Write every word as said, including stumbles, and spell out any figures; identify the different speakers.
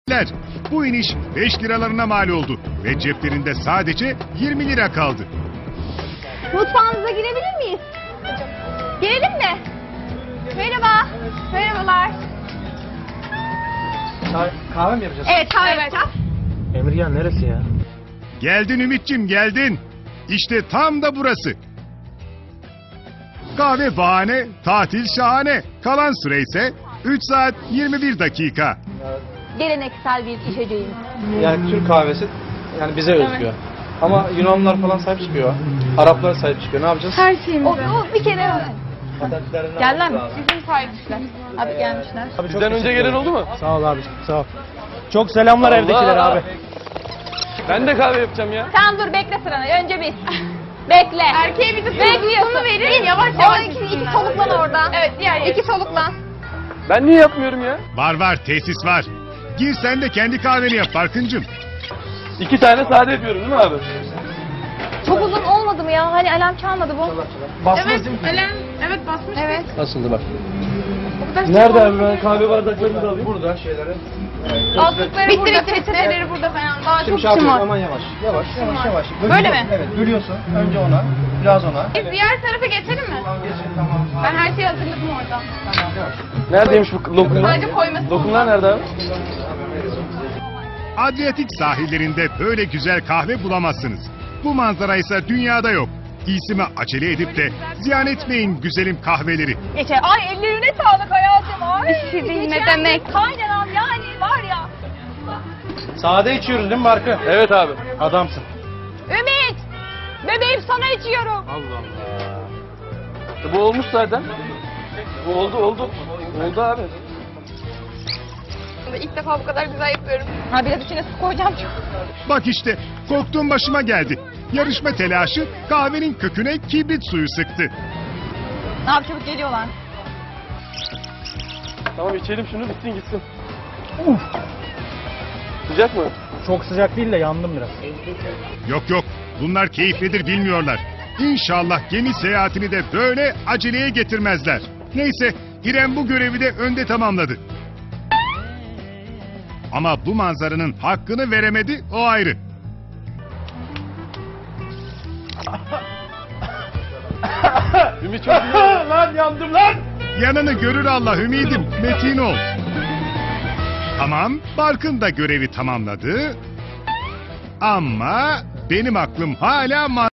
Speaker 1: Bu iniş beş liralarına mal oldu ve ceplerinde sadece yirmi lira kaldı.
Speaker 2: Mutfağınıza girebilir miyiz? Girelim mi? Merhaba. Merhabalar.
Speaker 3: Kahve mi yapacağız?
Speaker 2: Evet, kahve yapacağız.
Speaker 3: Emirgan neresi ya?
Speaker 1: Geldin Ümit'cim geldin. İşte tam da burası. Kahve bahane, tatil şahane. Kalan süre ise üç saat yirmi bir dakika.
Speaker 2: Geleneksel bir içeceğimiz.
Speaker 3: Yani Türk kahvesi yani bize özgü. Ama Yunanlılar falan sahip çıkıyor. Araplar sahip çıkıyor. Ne yapacağız?
Speaker 2: Her şeyimiz. O, o bir kere
Speaker 3: Geldiler
Speaker 2: mi? Bizim sahipmişler. Abi gelmişler.
Speaker 3: Abi çok
Speaker 4: Bizden önce gelen oldu mu?
Speaker 3: Sağ ol abi, sağ ol. Çok selamlar
Speaker 4: Allah.
Speaker 3: evdekilere abi.
Speaker 4: Ben de kahve yapacağım ya.
Speaker 2: Sen dur bekle sıranı. Önce biz. Bekle. Erkeğe bir de bekliyorsun. verin. Yavaş yavaş. O iki, iki soluklan oradan. Evet diğer İki soluklan.
Speaker 4: Ben niye yapmıyorum ya?
Speaker 1: Var var tesis var. Gir sen de kendi kahveni yap Barkıncığım.
Speaker 4: İki tane sade yapıyorum değil mi abi?
Speaker 2: Çok uzun olmadı mı ya? Hani alarm çalmadı bu.
Speaker 3: Basmaz değil mi?
Speaker 5: Elen, evet basmış.
Speaker 2: Evet.
Speaker 4: Nasıldı bak.
Speaker 5: Nerede
Speaker 4: Nerede abi ben kahve bardaklarını da alayım.
Speaker 3: Burada şeyleri.
Speaker 5: Altlıkları
Speaker 2: Bitti,
Speaker 5: burada,
Speaker 2: bitti, bitti.
Speaker 5: petreleri burada falan. Daha
Speaker 3: Şimdi
Speaker 5: çok
Speaker 3: şey yapıyorsun,
Speaker 5: şımar.
Speaker 3: aman yavaş. Yavaş, yavaş, yavaş.
Speaker 2: Böyle mi?
Speaker 3: Evet, bölüyorsun. Önce ona, biraz ona.
Speaker 5: Biz diğer tarafa geçelim mi?
Speaker 3: Geçin, tamam.
Speaker 5: Ben her şeyi hazırladım orada.
Speaker 3: Tamam, yavaş.
Speaker 4: Neredeymiş bu lokumlar?
Speaker 5: Sadece koyması.
Speaker 4: Lokumlar nerede abi?
Speaker 1: Adriyatik sahillerinde böyle güzel kahve bulamazsınız. Bu manzara ise dünyada yok. İyisime acele edip de ziyan etmeyin güzelim kahveleri.
Speaker 2: Geçer. Ay ellerine sağlık hayatım. Ay.
Speaker 5: Bir şey değil, ne
Speaker 2: geçen
Speaker 5: demek?
Speaker 2: gün Kaynanam yani var ya.
Speaker 3: Sade içiyoruz değil mi Barkı?
Speaker 4: Evet abi.
Speaker 3: Adamsın.
Speaker 2: Ümit. Bebeğim sana içiyorum.
Speaker 3: Allah Allah.
Speaker 4: Bu olmuş zaten. Bu oldu oldu. Oldu abi.
Speaker 5: İlk defa bu kadar güzel yapıyorum.
Speaker 2: Ha biraz içine su koyacağım çok.
Speaker 1: Bak işte korktuğum başıma geldi. Yarışma telaşı kahvenin köküne kibrit suyu sıktı.
Speaker 2: Ne yap çabuk geliyorlar.
Speaker 4: Tamam içelim şunu bitsin gitsin. Uf. Sıcak mı?
Speaker 3: Çok sıcak değil de yandım biraz.
Speaker 1: Yok yok bunlar keyiflidir bilmiyorlar. İnşallah gemi seyahatini de böyle aceleye getirmezler. Neyse İrem bu görevi de önde tamamladı. Ama bu manzaranın hakkını veremedi o ayrı.
Speaker 4: Ümit çok iyi.
Speaker 3: Lan yandım lan!
Speaker 1: Yanını görür Allah ümidim, metin ol. Tamam, Barkın da görevi tamamladı. Ama benim aklım hala